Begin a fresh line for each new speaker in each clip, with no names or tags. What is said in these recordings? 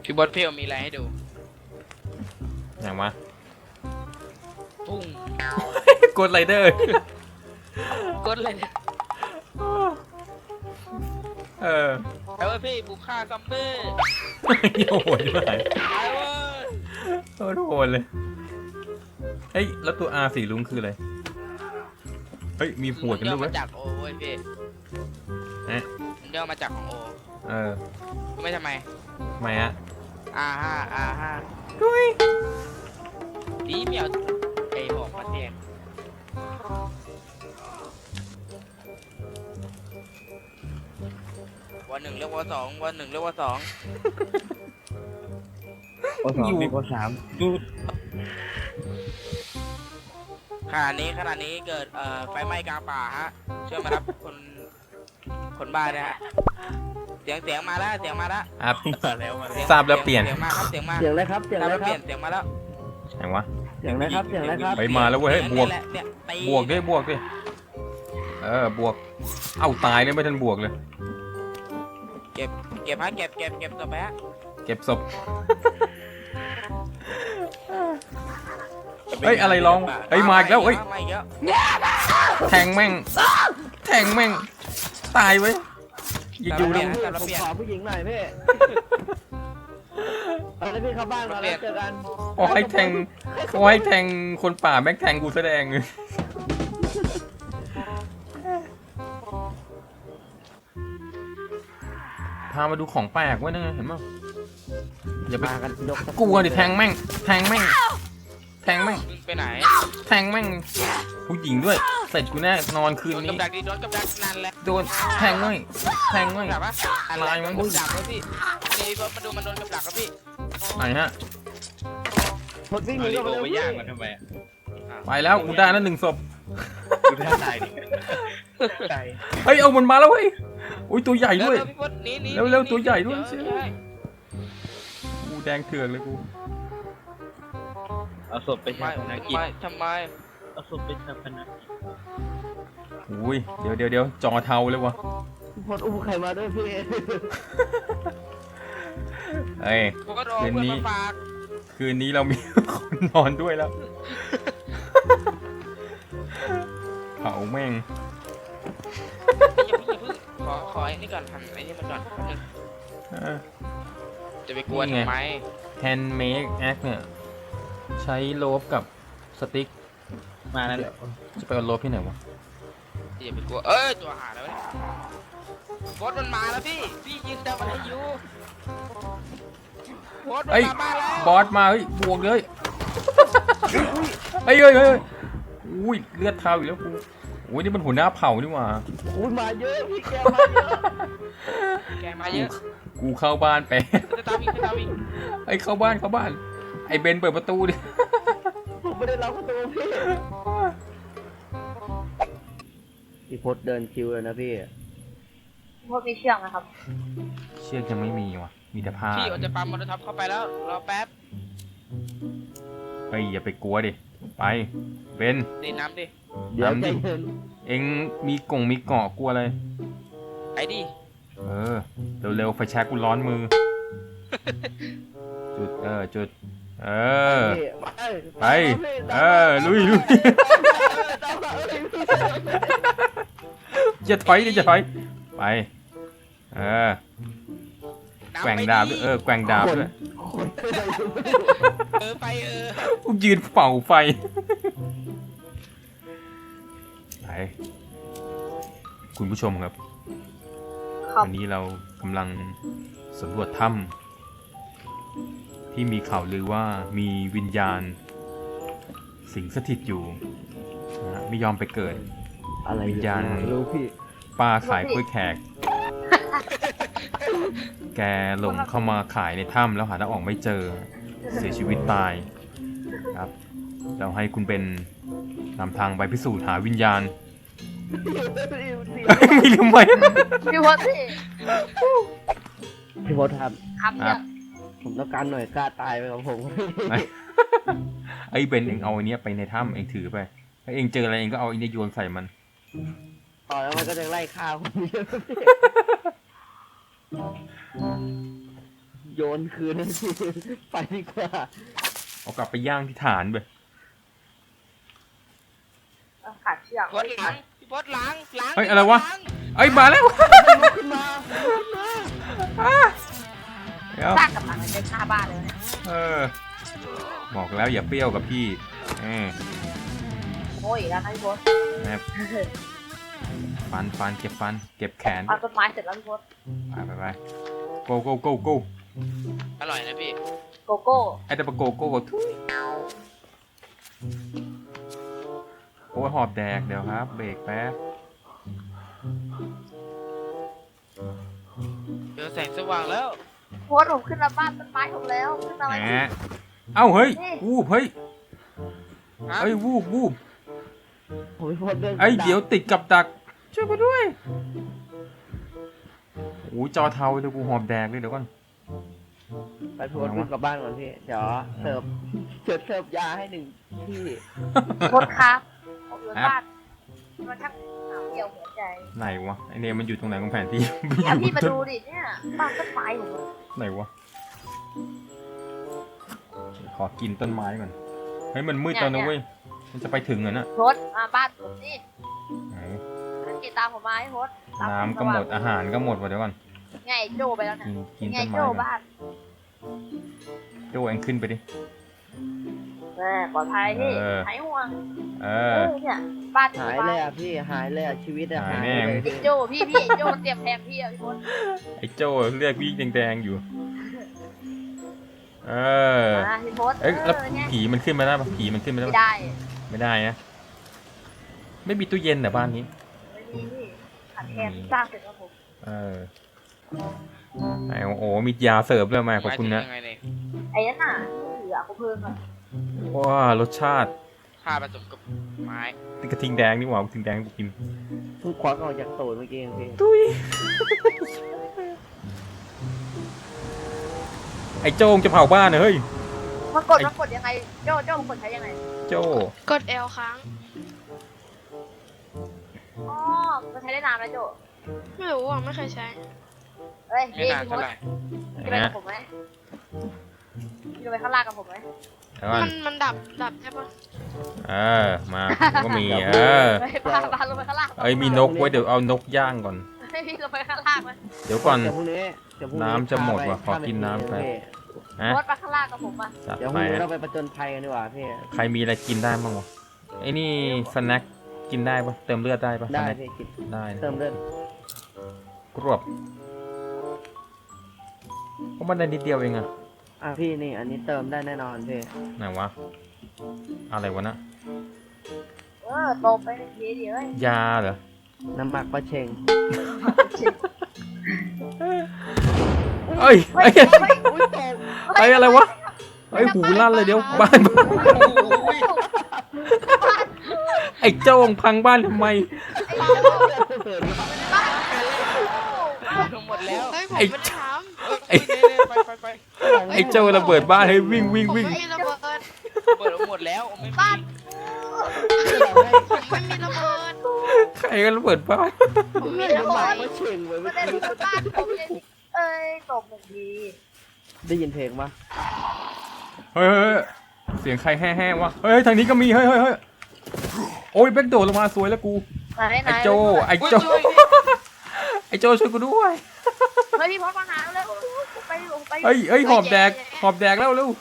พี่บอสพี่มีอะไรให้ดู
อย่างวะ
ปุ้ง
กดไรเดอร์
กดเลยเนี่ย
เออ
เอาไว้พี่บุกฆ่าซัมเบ้
โอ้โหไม่ไหว
เอาไว้
โคตรโหดเลยเฮ้ยแล้วตัว R สีลุงคืออะไรเฮ้ยมีหัวกันด้วย
มั
เว้
น
ย
จากโอเว้ยพี่
เอ๊ะ
มันย่อมาจากของโอ
เออ
ไม่ทำไม
ทำไมฮะ
R5
ดุย
ดีเหมียวไอ้บอกมาแดงวันหนึ่งเรียกว่าสองวันหนึ่งเรียกว่าสอง
ข้อสองมีข้อสามดู
ขณะนี้เกิดไฟไหม้กลางป่าฮะช่วยมารับคนบ้านะฮะเสียงมาแล้วเสียงมาแล้ว
อัพ
มาแล้ว
ทราบแล้วเปลี่ยน
เสียงมาครับเสียงมา
เสียงอะไรครับเสียง
ทรา
อะ
บ
ไร
แล้ว
ค
เป
รั
ลี่ย
บ
นเสียงมาแล้ว
ไหนวะ
เสียงอะไรครับเสียงอะไรครับ
ไปมาแล้วเว้ยเฮ้ยบวก
เนี่ยตี
บวกด้วยบวกด้วยเออบวกเอ้าตายเลยไม่ทันบวกเลย
เก็บฮะเก็บตัวไปฮะ
เก็บศพเฮ้ยอะไรร้องเฮ้ยมาอีกแล้วเฮ้ย
มาอีกแล้ว
แทงแม่งแทงแม่งตายไว้ยอย่าอยู่
เปลี่
นะ
ยน
พี่
ฮะ
ผม
เปลี่ยน
ขอผู้หญิงหน่อยพี่เอาเลยพี่เข้าบ้านมาแล้วเจอกัน
ขอให้แทงคนป่าแม่งแทงกูแสดงเลยพามาดูของแปลกไว้นะเห็นมั้ยอย่าไป
มากันยก
กลัวดิแทงแม่งแทงแม่งแทงแม่ง
มึงไปไหน
แทงแม่งผู้หญิงด้วยเสร็จกูแน่นอนคืน
โดน
นี้
กับดักดิโดนกับดักนานแล้ว
โดนแทงง่อยแทงง่อย
ดักปะอะไร
ลายมั้ง
กับดักวะพี่นี่รถมันโดนกับดักครับพี่
ไหนฮะ
พดวิ่งหนีก็ไปแล้วพี่
ไปแล้วกูได้แล้ว1 ศพ
ดูท่าตายดิตาย
เฮ้ยเอามันมาแล้วเฮ้ยอุ้ยตัวใหญ่ด้วย
เร็วๆพี่พศหนี
เร็วๆตัวใหญ่ด้วย
เดี๋
กูแดงเถือกเลยกู
เอาศพไป
ทำไม
ชาปนกิจ
ทำไม
เอาศพไปชาปนกิจ
อุ้ยเดี๋ยวจอเทาเลยวะ
พดอุ้มใครมาด้วยพี่
เอ้ย
กูก็รอเพื่อนมาฝาก
คืนนี้เรามี คนนอนด้วยแล้วเผาแม่ง
อย่าเพิ่งขอไอ้นี่ก่อนทำไอ้นี่มันก่อนแป๊บนึงจะไปกลัวทำไม
แฮนด์เมดแอคเนี่ยใช้โลบกับสติ๊ก
มาแล้ว
จะไปเอาโลบที่ไหนวะ
อย่าไปกลัวตัวหาแล้วเนี่ยบอสมันมาแล้วพี่ยืนเดามันให้อยู่บอสมัน
เอ้ย
มาบ้านแล้ว
บอสมาเฮ้ยบวกเลยเฮ้ยอุ้ยเลือดเทาอีกแล้วกูอุ้ยนี่มันหัวหน้าเผ่านี่หว่า
อุ้ยมาเยอะพี่แกมาเยอะ
แกมาเยอะ
กูเข้าบ้านไป
จะตามอีก
ไอ้เข้าบ้านไอ้เบนเปิดประตูดิ
ผมไม่ได้ล็อกประตูพี่พดเดินคิวเลยนะพี่
พวกมีเชือกนะครับ
เชือกยังไม่มีว่ะมีแต่ผ้า
พี่เอาจะปั๊มมอเตอร์ท็อปเข้าไปแล้วรอแป๊บ
เฮ้ยอย่าไปกลัวดิไปเบน
ดีน้ำดิ
เดี๋ยว
ทำดิ
ใจเย็น
เอ็งมีเกาะกลัวอะไร
ไอ้ดิ
เร็วไฟแช็กกูร้อนมือ จุดจุด
พี่
ไปลุยจะถอยดิจะถอยไปแกว่งดาบด้วยแกว่งดาบด้วย
ไป
กูยืนเป่าไฟไปคุณผู้ชมครับ
ครับ
วันนี้เรากำลังสำรวจถ้ำที่มีข่าวลือว่ามีวิญญาณ สิงสถิตอยู่นะฮะไม่ยอมไปเกิด
อะไร
วิญญาณ
รู้พี่
ป้าขายกล้วยแขก แกหลงเข้ามาขายในถ้ำแล้วหาทางออกไม่เจอ เสียชีวิตตายครับ เราให้คุณเป็นนำทางไปพิสูจน์หาวิญญาณ มีหรือไม่
พี่พศพี่
พี่พดครับ
ครับเชือก
ผมต้องการหน่อยกล้าตายไปกับผม
ไอ้เบนเองเอาอันเนี้ยไปในถ้ำเองถือไปถ้าเองเจออะไรเองก็เอาอันเนี้ยโยนใส่มัน
ต่อแล้วมันก็จะไล่ฆ่าผมเยอะโยนคืนให้พี่ไปดีกว่า
เอากลับไปย่างที่ฐานไป
ขาดเชือก
พดหลังพี่พดหลัง
เฮ้ยอะไรวะเอ้ยมาแล้ว
ขึ้นมาขึ้นมา
เดี๋ยว
สร้างกับหลังมันจะฆ่าบ้านเลยเนี่ย
บอกแล้วอย่าเปรี้ยวกับพี่
โอ้ยแล้วนะพี่พศ
แม่ฟันเก็บแขน
เอาต้นไม้เสร็จแล้วพี่พศ
ไปโก
อร่อยนะพี่
โกโก้
ไอ้ตะปะโกทุยโอ้ยหอบแดกเดี๋ยวครับ เบรกแป๊บ
เจอแสงสว่างแล้ว
พี่พศผมขึ้นมาบ้านต้นไม้ผมแล้วขึ้นมา
แห
ไว้
มเอ้าเฮ้ย
นี่
วูบเฮ้ย
ฮะ
เฮ้ยวูบ
ผมไม่พดเรื่อง
ไอ้ยเดี๋ยวติดกับดักช่วยกูด้วยโอ้ยจอเทาเดี๋ยวกูหอบแดกเลยเดี๋ยวก่อน
ไปโพสต์วิ่งกลับบ้านก่อนพี่เดี๋ยวเสิร์ฟยาให้หนึ่งที่
พี่พศครับผมอยู่บ้านมันช่างหนาวเดียวหัวใจ
ไหนวะไอเนี่ยมันอยู่ตรงไหนของแผนที่
เนี่ยพี่มาดูดิเนี่ยบ้านต้นไม้ผมอะ
ไหนวะขอกินต้นไม้ก่อนเฮ้ยมันมืดแล้วนะเว้ยมันจะไปถึงเหรอนะ
พี่พศมาบ้านผมนี่
ไหน
สังเกตตามผมมาพี่พศตามผม
น้ำก็หมดอาหารก็หมดวะเดี๋ยวก่อน
ไงโจไปแล้วเนี่ย
กิน
ไง
ต้นไม้
โจ
ก่อน
บ้าน
โจเองขึ้นไปดิ
แม่ปลอดภัยพี่
เออ
หายห่วง
เอ
เอ
อ
อเนี่ยบ้าน
หายเลยอ่ะพี่หายเลยอ่ะชีวิตอ่ะ
หาย
หาย
แน่
เลย
ไอ้โจพี่ไอ้โจเตรียมแทงพี่อะพี่พศ
ไอ้โจเรียกพี่แดงๆอยู่เออ
มาพี่พศ
เอ้ยแล้ว
ไง
ผีมันขึ้นมาได้ปะผีมันขึ้นมาได้
ไม่
ปะ
ได้
ไม่ได้นะไม่มีตู้เย็นแต่บ้านนี้
ไม่มีพี่ขัดแคลนสร้างเสร็จแล้วผม
เออไอ้โอ้มียาเสิร์ฟเลยมาขอบคุณนะ
หมายถึงยังไงเนี่ย
ไอ้นั่นน่ะเหลือกูเพิ่มอ่ะ
ว้ารสชาติ
ข้าผสมกับไม้
กระทิงแดงนี่หว่ากระทิงแดงกูกิน
เพิ่งควักออกจากตูดเมื่อกี้เองพี่
ตุ้ยไอ้โจงจะเผาบ้านเหรอเฮ้ย
มันกดยังไงโจมันกดใช้ยังไง
โจ
กด L ค้าง
อ๋อมันใช้ได้นานไหมโจ
ไม่รู้อ่ะ ไม่เคยใช้
เฮ้ย
ไม่
พี่
นาน
พี่พ
เท่า
ศ
ไหร่
พี่ไปกับผมไหมพี่จะไปข้างล่างกับผมไหม
เดี๋ยวก่อน
มันดับใช่ปะ
เออมาก็มี
ไปปาลงไปข้างล่าง
เอ้ยมีนกไว้เดี๋ยวเอานกย่างก่อน
ให้พี่ลงไปข้างล่างไหม
เดี๋ยวก่อน
เดี๋ยวพรุ่งนี้
น้ำจะหมดว่ะขอกินน้ำแป๊บ
พี่
ฮะ
โพสไปข้างล่างกับผมมา
จัด
เดี๋ยวพ
ไป
รุ่งนี้
นะ
เราไปประจนภัยกันดีกว่าพี่
ใครมีอะไรกินได้บ้างวะไอ้นี่สแน็คกินได้ปะเติมเลือดได้ปะ
ได้
สแน็ค
พี่กิน
ได้นะ
เติมเลือด
กรวบเพราะมันได้นิดเดียวเองอะ
พี่นี่อันนี้เติมได้แน่นอนพี่
ไหนวะอะไรวะนะ
ตบไปหนึ่งทีเดียว
ยาเหรอ
น้ำหมักปลาเชง
เอ้ย
เฮ้
เอ้
ย
ยไอ้อะไรวะไอ้ยหูลั่นเลยเดี๋ยวบ้านไอ้โจ้งพังบ้านทำไม
ทั้งหมดแล้ว
เฮ้ย ผม
ไอ้
ไม่ได้ท
ไอ้
ไป
ไอ้โจ้ระเบิดบ้านให้วิ่ง
ำผมไม่มีระเบิด
เปิดหมดแล้วไม่มี
ผมไม่มีระเบิด
ใครก็ระเบิดบ้าน
ผมมี
น้ำ
ระ
หมั
เบิ
ก
ด
ปลาเชงไว้
ป
เมื่
ระ
อ
เด็น
กี้
คือบ้านผมเลยตบหนึ่งที
ได้ยินเพลงปะ
เฮ้ยเสียงใครแห่ๆวะเฮ้ยทางนี้ก็มีเฮ้ยโอ้ยแบ็คโดดลงมาสวยแล้วกู
ไหน
ไอ้โจ้ไอ้โจ้ไอ้โจ้ช่วยกูด้วย
เฮ้ยพี่พศมาหาแล้วไป
เฮ้ยหอบแดกแล้วเร็ว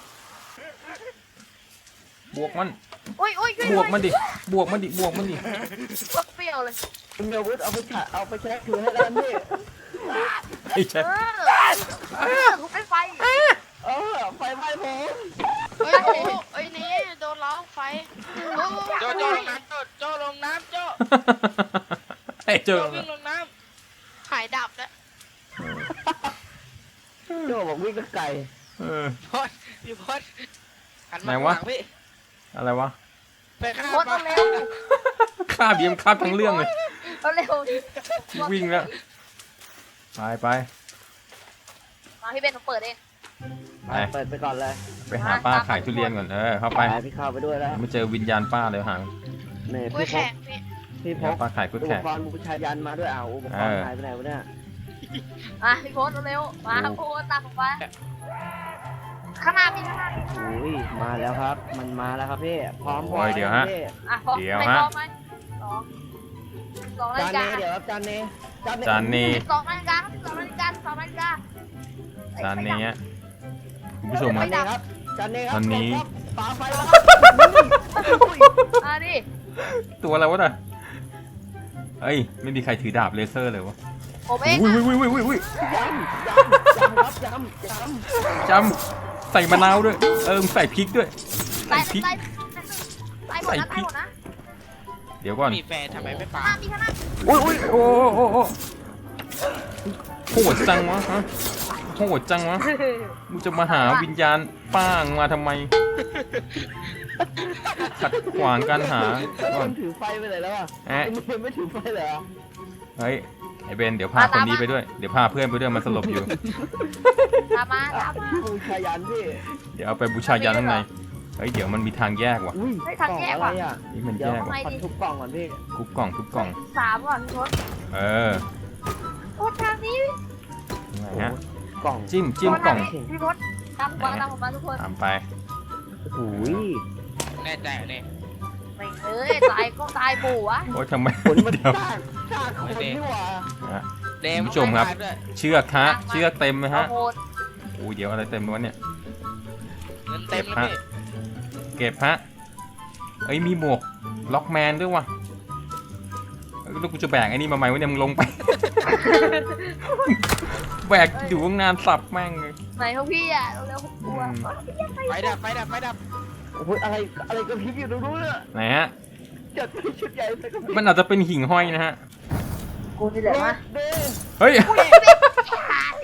บวกมัน
โอ้ย
บวกมันดิบวกมันดิ
ก็เปรี้ยวเลย
คุณเมียวุฒิเอาไปแช่คืนให้แล้วพี่
ไอ้ใช่
ทุบไฟ
ไฟไหม้ผม
เฮ้ยโอ้เอ้ยนี่โดนล้อไฟโอ้
โจลงน้ำโจลงน้ำโจ
ไอ้โจ้
วิ่งลงน้
หายดับแล้ว
โจ้บอกวิ่งก็ไกล
ำพดพี่พดหัน
ไหน
มาว
ะ
ข้างหลังพี่
อะไรวะ
ไปข้าง
โคตรเร็ว
ฆ่าเบียมฆ่าทั้งเรื่องเลย
เร็ว
วิ่งแล้วไป
มาพี่เบนผมเปิดเอง
เปิดไปก่อนเลย
ไปหาป้าขายทุเรียนก่อนเข้าไป
พี่เข้าไปด้วยแล้ว
ไม่เจอวิญญาณป้าเลยหา
เนี่ย
กล้วย
พี่พ
แข
ก
กพี่
พี่พ
เดี๋ยว
ก
ป้าขายกุ้ย
อุ
แข
ป
ก
กรณ์บูชายันมาด้วยอุปกรณ์หายไปไหนวะเนี่ย
มาพี่โพสเร็วๆมาโพสตามผมไปข้างหน้ามีข้างหน้ามี
อุ้ยมาแล้วครับ มันมาแล้วครับพี่พร้อม
โอ้ยเดี๋ยวฮะ
พี่
อ่ะพร้อม
เดี๋ยว
ไม่
ฮะ
พร้อมไหมสองนา
จาน
ฬิกา
เนเดี๋ยวครับจานเน
จานนี้
12 นาฬิกา
จานนี้คุณผู้ชม
จา
ฮะ
นเนครับจานเนครับ
ตอนนี้
ครับปาไฟแล้ว
อ่ะดิ
ตัวอะไรวะน่ะเอ้ยไม่มีใครถือดาบเลเซอร์เลยวะ
ผมเอง
อุ้ยอุ้ยอุ้ยอุ้ยอุ้ย
ยำครับยำ
จำใส่มะนาวด้วยใส่พริกด้วย
ตา
ใส่
ย
พริก
ตายหมดนะตายหมดนะ
เดี๋ยวก่อน
มีแฟนทำไมไม่ปา
มีข้างหน้า
อุ้ยอุ้ยโอ้โอ้โอ้โหดจังวะฮะโหดจังวะมึงจะมาหาวิญญาณป้างมาทำไมขัดขวางการหาก่อ
มัน นถือไฟไปไหนแล้วอ่ะ
แอะ
มันไม่ถือไฟเลยเหรอ
เฮ้ยไอเบนเดี๋ยวพาคนนี้ไปด้วยเดี๋ยวพาเพื่อนไปด้วยมันสลบอยู่
ตามมา
บูชายันพี่
เดี๋ยวเอาไปบูชายันข้างในเฮ้ยเดี๋ยวมันมีทางแยกว่ะ
อุ้ยกล่องอะไรอ่ะ
นี่มัน
เดี๋
แย
ยว
กว่ะ
ขอทุบกล่องก่อนพี่
ทุกกล่องทุกกล่อง
3ก่อนพี่โพส
เออ
โพสทางนี้
ยังไงฮะ
กล่อง
จิ้มจิ้มกล่อง
พี่โพสตามผมมาทุกคน
ตามไป
โอ้ย
แน่ใจเหรอเนี่ย
ไม่เอ้ยตายก็ตายหมู่วะ
โอ้ยทำไม
ผลมัน
เดี๋ยว
ซากคนนี่หว่า
นะ
เดม
คุณผู้ชมครับ
ได้วย
เชือกฮะเชือกเต็มไหม
เอา
ฮะ
โหด
โอ้ยเดี๋ยวอะไรเต็มวะเนี่ย
เงินเต็มแล้วพี่
เก็บฮะเอ้ยมีหมวกล็อกแมนด้วยว่ะแล้วกูจะแบกไอ้นี่มาไหมวะเนี่ยมึงลงไป แบกอยู่ตั้งนานสับแม่งเลย
ไหนพวกพี่อ่ะเร็วๆผมกลัว
ไฟดับไฟดับไฟดับ
โอ้ยอะไรกระพริบอยู่ตรงนู้นเนี่ย
ไหนฮะ
จัดชุดใหญ่เลยกระพริบ
มันอาจจะเป็นหิ่งห้อยนะฮะ
กูนี่แหละมา
เด้
เฮ้ย
หาสิ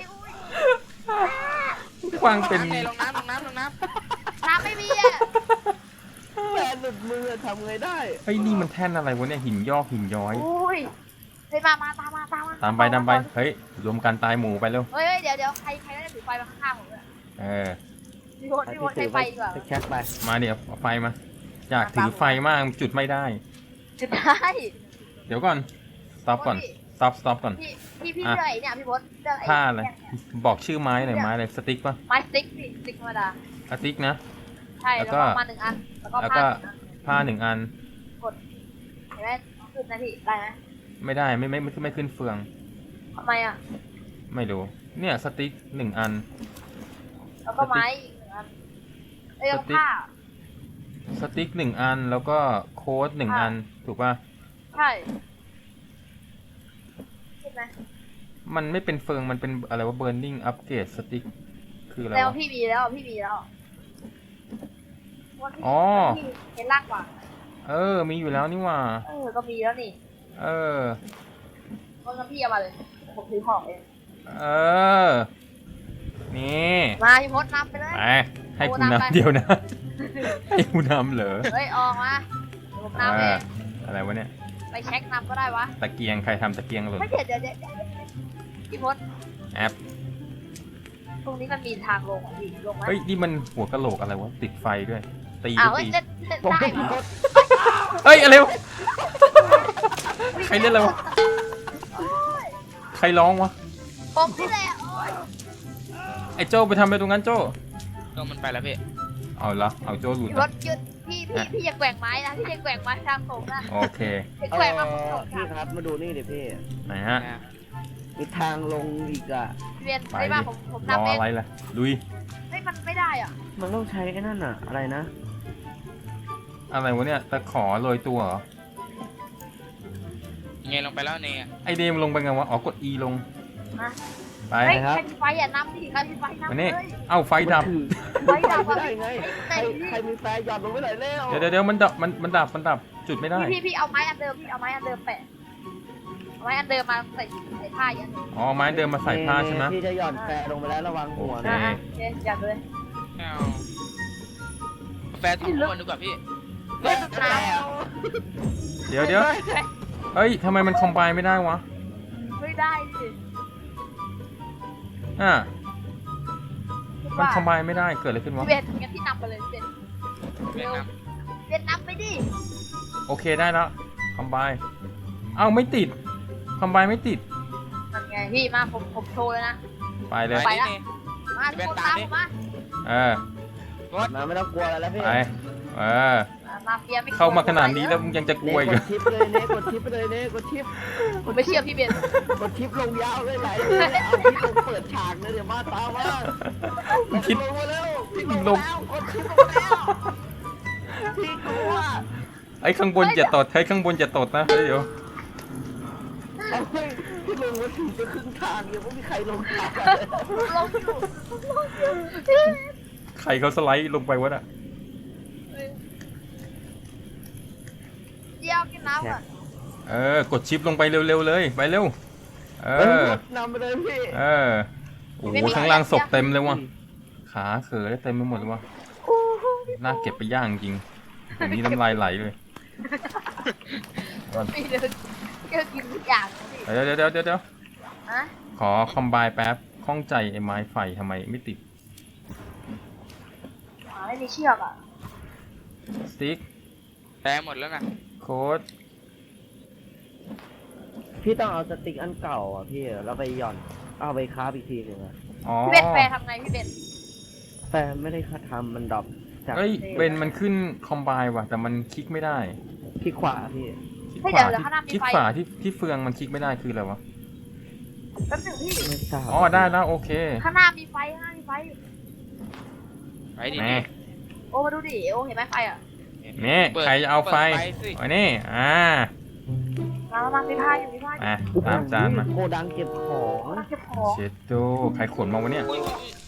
อุ้ย
ฟังเป็น
น้ำเลยลงน้ำลงน้ำลงน้
น้ำไม่มีอ่ะ
แฟนหลุดมือทำไงได้
เฮ้ยนี่มันแท่นอะไรวะเนี่ยหินยอกหินย้อย
อุ้ยเฮ้ยมาตามมา
ตามไปเฮ้ยรวมกันตายหมู่ไปเร็ว
เฮ้ยเดี๋ยวใครได้ถือไฟมาข้างๆผมเลย
เออ
พี่โพสใช้ไฟดีกว่า
แช็คไป
มาเดี๋ยวเอาไฟมาอยากถือไฟมากจุดไม่ได้
จะได้
เดี๋ยวก่อน stop ก่อน stop ก่อน
พี่เลือกไอ้เนี่ยพี่โพสเลือกไอ้
ผ้าอะไรบอกชื่อไม้หน่อยไม้อะไรสติ๊กปะ
ไม้สติ๊กพี่สติ๊กธรรมดา
สติ๊กนะ
ใช่
แล้
แล้ว
วก็
ก็มา1 อันแล้วก็
แล้ว
ผ้า
ก็
1 อัน
ผ้าหนึ่งอัน
เห็นไหมขึ้นนะพี่ได้ไหม
ไม่ได้ไม่ขึ้นเฟือง
ทำไมอ่ะ
ไม่รู้เนี่ยสติ๊กหนึ่งอัน
แล้วก็ไม้อีก1 อันเอ้ย
สติ๊ก
ผ้า
สติ๊กหนึ่งอันแล้วก็โค้ดหนึ่งอันถูกป่ะ
ใช่ขึ้นไหม
มันไม่เป็นเฟืองมันเป็นอะไรว่า burning upgrade stick คืออะไร
แล้ว
วะ
พี่มีแล้วว่าพี่
อ๋อ
พี่เห็นล่างกว่า
มีอยู่แล้วนี่หว่า
ก็มีแล้วนี่
เออ
ก็งั้นพี่เอามาเลยผมถือของเอง
เออ นี่
มาพี่พจน์นำไปเลย
ไปให้กู
โอ้นำไป
นำเดียวนะ ให้กูนำเหรอ
เฮ้ยออกมาเดี๋ยวผมนำเอง
อะไรวะเนี่ย
ไปเช็คนำก็ได้วะ
ตะเกียงใครทำตะเกียงหล่น
ไม่เดี๋ยวพี่พจน์
แอป
ตรงนี้มันมีทางลงอ่ะพี่ลงไหม
เฮ้ยนี่มันหัวกะโหลกอะไรวะติดไฟด้วยตี
อ้าว
ก็
เฮ้ย
ตี
เล่น
ผม
ได้
พี่
เหร
พ
อ
ศ
เฮ้ยอะไรวะใครเล่นอะไรวะใครร้องวะ
ผมนี่แหละโอ๊ย
ไอ้โจ้ไปทำอะไรตรงนั้นโจ้
ก็มันไปแล้วพี่
เอาละเอาโจ้หลุด
พี่พ
นะ
จน์หยุดพี่อย่าแกว่งไม้นะพี่อย่าแกว่งไม้ทางผมนะ
โอเค
อย่าแกว่งมาผมตก
พี่ครับมาดูนี่ดิพี่
ไหนฮะ
มีทางลงอีกอ่ะ
เรียน
ไป
ได้ป่ะ
ดิ
ผม
รอน
ำเอง
อะไรล่ะลุย
เฮ้ยมันไม่ได้อ่ะ
มันต้องใช้ไอ้นั่นอ่ะ อะไรนะ
อะไรวะเนี่ยตะขอโรยตัวเหรอ
ยังไงลงไปแล้วเนี่ย
ไอเดมลงไปไงวะอ๋อกด E ลง
นะ
ไป
เฮ้ย
ครับ
ใครมีไฟอย่านำดิใครมีไฟนำ
มา
เล
นี่
ย
เอ้าไฟดับ
ถือ
ไฟดับ
ไม่
อ่ะ
ได้ไง ใครมีแฟนหยอดลงไปไหนแล้ว
เดี๋ยวมันดับมันดับจุดไม่ได้
พี่เอาไม้อันเดิมพี่เอาไม้อันเดิมแปะเอาไม้อันเดิมมาใส่ผ้าอย่างนี้
อ๋อไม้เดิมมาใส่ผ้าใช่ไหม
พี่จะหย่อนแฟนลงไปแล้วระวังหัว
โอเค
นะ
นะโอเคอย่าเลย
ไม่เอาแฟนทุกคนดีกว่าพี่
เฮ้ยมันน้
เดี๋ยวเฮ้ยทำไมมันคอมไบไม่ได้วะ
ำไม่ได้สิ
อ่ะ
คิด
มัน
ว่า
คอมไบไม่ได้เกิดอะไรขึ้นวะ
พี่เบนงั้นพี่นำไปเลยพี่เบน
เวียดนาม
เบนนำไปดิ
โอเคได้แล้วคอมไบเอ้าไม่ติดคอมไบไม่ติด
นั่นไงพี่มาผมโชว์เลยนะ
ไปเลย
ไปนี่
มาทุกคนตามผมมา
เออ
มาไม่ต้องกลัวอะไรแล้วพี่
ไปเออ
มาเฟียไม่
เข้ามาขนาดนี้แล้วมึงยังจะกลัวอีก
ก
เหร
ด
อ
ชิปเลยเน่กดชิปไปเลยเน่กดชิป
ผมไม่เชื่อพี่เบน
กดชิปลงยาวเลยไหลเลยเอาพี่ลงเปิดฉากเลยเดี๋ยวมาตามมา
คิด
ลงมาแล้วพี่ลง
ลง
แล้วกดชิปลงแล้วพี่กลัว
ไอ้ข้างบนอย่าตดไอ้ข้างบนอย่าตดนะเฮ้ยเดี๋ยว
เอาเฮ้ยพี่ลงมาถึงจะครึ่งทางยังไม่มีใครลงทาง
ลงอยู่
ใครเขาสไลด์ลงไปวะน่ะ
เดี๋ยวกินน้ำก่อน
เออกดชิปลงไปเร็วๆเลยไปเร็วเอ
เอ
อ
นำไปเลยพี่
เออโอ้โหข้างล่างศพเต็มเลยวะขาเขือได้เต็มไปหมดเลยวะน่าเก็บไปย่างจริงตรงนี้น้ำลายไหลเลย
ไม่เดินก็กินทุกอย่างพี่
เดี๋ยว
ฮะ
ขอคอมไบแป๊บข้องใจไอ้ไม้ไฟทำไมไม่ติด
ไม่มีเชือกอ่ะ
สติ๊ก
แต่หมดแล้วนะ
โค้ด
พี่ต้องเอาสติ๊กอันเก่าอ่ะพี่แล้วไปหย่อนเอาไปคราฟอีกทีหนึ่งอ่ะ
อ๋อ
พี่เบนแฟร์ทำไงพี่เบน
แต่ไม่ได้ทำมันดรอปจาก
เฮ้ยเบนมันขึ้นคอมไบว่ะแต่มันคลิกไม่ได้
ที่ขวาพี่
คลิก
ให้
ข
เดี๋ยว
วา
เดี๋ยวข้างหน้ามี
คลิก
ไฟ
ขวาที่เฟืองมันคลิกไม่ได้คืออะไรวะ
แป๊บหนึงพี่
ไม่ทราบ
อ๋อได้แล้วโอเค
ข้างหน้ามีไฟข้างหน้ามีไฟ
ไปดิ
แม่
โอ้มาดูดิโอ้เห็นไหมไฟอ่ะ
นี่ใครจะเอาไฟ
ปิดสิ
ไว้นี่
มามีผ้าอยู่มีผ้าอยู่
ตามจานมา
โกดังเก็บของ
กำลังเก็บของ
เช็ดโดใครขนมาวะเนี่ย
อุ้ย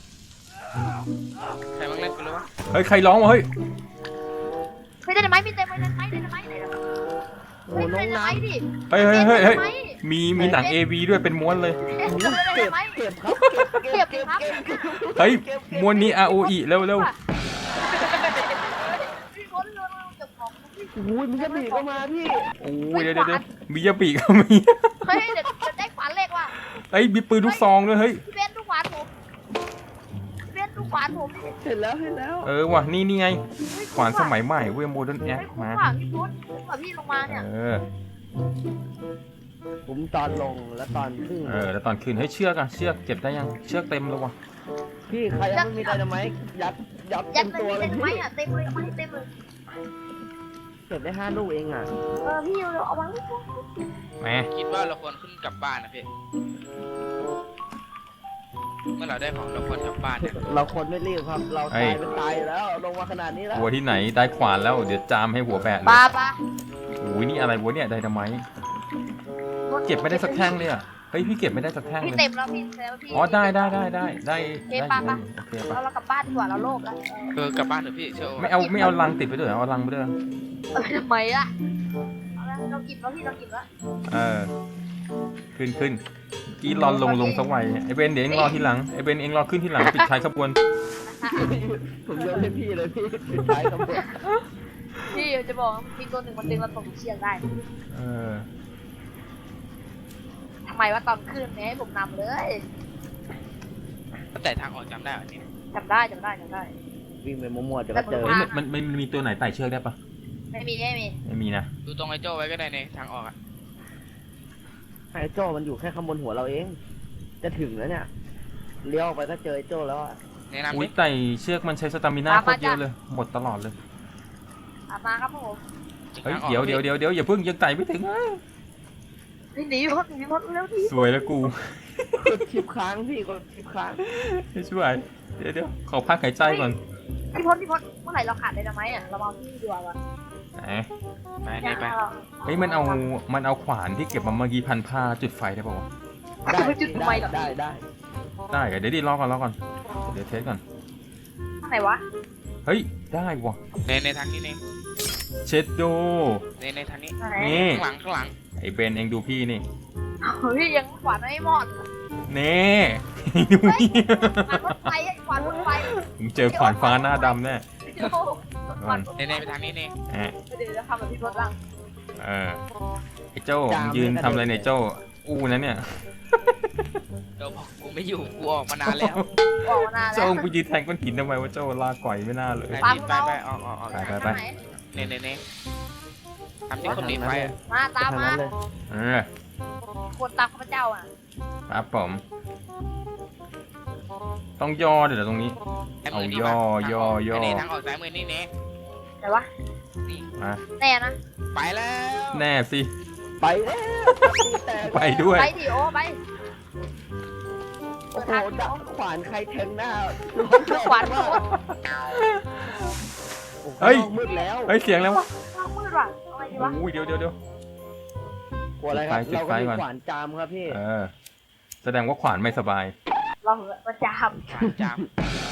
ใครบ้างเล่นกูรู้ปะ
เฮ้ยใครร้องวะเฮ้ย
ไม่ได้ไหมมีเต็มเลยได้ไหมได้ไหมได้ไหม
โอ้น้องน้ำ
ดิ
เฮ้ยมีหนัง AV ด้วยเป็นม้วนเลย
เก็บ
เก็บครับ
เก็บดิครับ
เฮ้ยม้วนนี้ ROE เร็ว
พี่คนเร็วเก็บของ
อุ้ยมันจะหนีก็มาพี่
โอ้ยเดี๋ยวมียาปีกก็มี
เฮ้ยเดี๋ยวได้ขวานเหล็กว่ะ
เฮ้ยมีปืนลูกซองด้วยเฮ้ย
พี่เบนดูขวานผมพี่เบนดูขวานผม
เห็นแล้วเห็นแล้ว
เออว่ะนี่ไงขวานสมัยใหม่เว้ยโมเดิร์นแอค
มา
มา
พี่พุทธพี่ลงมาเนี่ย
ผมตอนลงและตอนขึ้น
แล้วตอนคืนเฮ้ยเชือกอะเชือกเก็บได้ยังเชือกเต็มแล้ววะ
พี่ใครยังไม่มีไดนาไมต์ยัด
ยั
เต็
ด
ม
เลย
ตัวเลย
ได้ไหม
พี่
อ่ะเต็มเลยเอามาให้เต็มเลย
เก็บได้5 ลูกเองอ่ะ
พี่เร็วเอามา
แหม
คิดว่าเราควรขึ้นกลับบ้านนะพี่เมื่อเราได้ของเราควรกลับบ้านเนี่ย
เราคนไม่รีบครับ เราตายเป็นตายแล้วลงมาขนาดนี้แล้ว
หัวที่ไหนได้ขวานแล้วเดี๋ยวจามให้หัวแบะเลย
ปลา
โอ้ยนี่อะไรวะเนี่ยไดนาไมต์เก็บไม่ได้สักแท่งเลยอะเฮ้ยพี่เก็บไม่ได้สักแท่ง
พี่
เลย
เต็มแล้วพี่แล้วพี่
อ๋อได้
โอเคปะ
โอเคปะ
เรากลับบ้านดีกว่าเราโลภแล้ว
กลับบ้านเถอะพี่เชื่อ
ไม่เอาลังติดไปด้วยเหรอเอาลังไปด้วยเหรอ
ทำไมล่ะเรากินแล้วพี่เรากินแล้ว
เออขึ้นกี้รอนลงสักวัยไอเบนเดี๋ยวเองรอทีหลังไอเบนเองรอขึ้นทีหลังปิดท้ายขบวน
ผมยกให้พี่เลยพี่สุดท้ายกับผม
พี่จะบอกมีตัวหนึ่งมันดึงเราตกเชียงได้
เออ
ทำไมว่าตอนขึ้นไม่ให้ผมนำเลย
แต่ทางออกจำได้เหรอเนี่ย
จำได้
วิ่งไปมั่วๆเดี๋ยวก็เจอ
เฮ้ยมันมีตัวไหนไต่เชือกได้ปะ
ไม่มี
ไม่มีนะ
ดูตรงไอ้โจ้ไว้ก็ได้ในทางออกอ่ะ
ไอ้โจ้มันอยู่แค่ข้างบนหัวเราเอง จะถึงแล้วเนี่ยเลี้ยวออกไปก็เจอไอ้โจ้แล้วอ่ะ
แนะนำ
อุ้
ดิ
ยไต่เชือกมันใช้สตามิน่าโคตรเยอะเลยหมดตลอดเลย
มาครับผม
เฮ้ยเดี๋ยวอย่าเพิ่งยังไต่ไม่ถึง
พี่หนีพดเร็วดิ
สวยแล้วกู
กดชิปค้างพี่กดชิปค้าง
ไม่ช่วยเดี๋ยวขอพักหายใจก่อน
พี่พดเมื่อไหร่เราขาดได้ไหมอ่ะเราเอาที่ดีกว่า
ไหน
ไปนี่ไป
เฮ้ยมันเอาขวานที่เก็บมาเมื่อกี้พันผ้าจุดไฟได้ป่าวะ
ได้ได้
ได้เดี๋ยวดิรอก่อนเดี๋ยวเทสก่อน
ทางไหนวะ
เฮ้ยได้วะ
ในทางนี้เอง
เช็ดโด
ในทางนี้
ทางไหน
นี่
ข้างหลัง
ไอเบนเองดูพี่นี่
เฮ้ยยังขวานไม่หมด
นี่ดูนี่
ขวานรถไฟ
มึงเจอขวานฟ้าหน้าดำแน่
ขวาน
ในไปทางนี้นี่
แหม
เดี๋ยวจะทำแบบพี่พดบ้าง
ไอโจ้มึงยืนทำอะไรในยโจ้อู้นะเนี่ย
โจ้บอกกูไม่อยู่กูออกมานานแล้ว
บอกมานานแล้
โจ้
ว
ไปยืนแทงก้อนหินทำไมวะโจ้ลากก่อยไม่น่าเลย
ไปออก
ไป
ในทำที่คนหนีไฟอ่ะ
มาตามมา
เลย
เออ
ควรตามข้าพเจ้าอ่ะ
ครับผม ต้องย่อเดี๋ยวตรงนี้ เอาย่อย่อย่อ
นี่ทางออกซ้ายมือนี่นี่
ไหนวะ
นี่
มา
แน่นะ
ไปแล้ว
แน่สิ
ไปแล้วแต่
ไปด้วย
ไปดิโอไป
โอ้โหดักขวานใครแทงหน้า
ขวานโคตร
โอ้โห
เฮ้ย
มืดแล้ว
เฮ้ยเสียงแล้ววะ
ข้างมืดว่ะเอาไงดีวะ
โอ้ยเดี๋ยว
กลัวอะไรครับ
จุด
เรา
ไฟ
ก็มี
ก่อน
ขวานจามครับพี่
แสดงว่าขวานไม่สบาย
เราเหอะมาจาม
ขวานจับ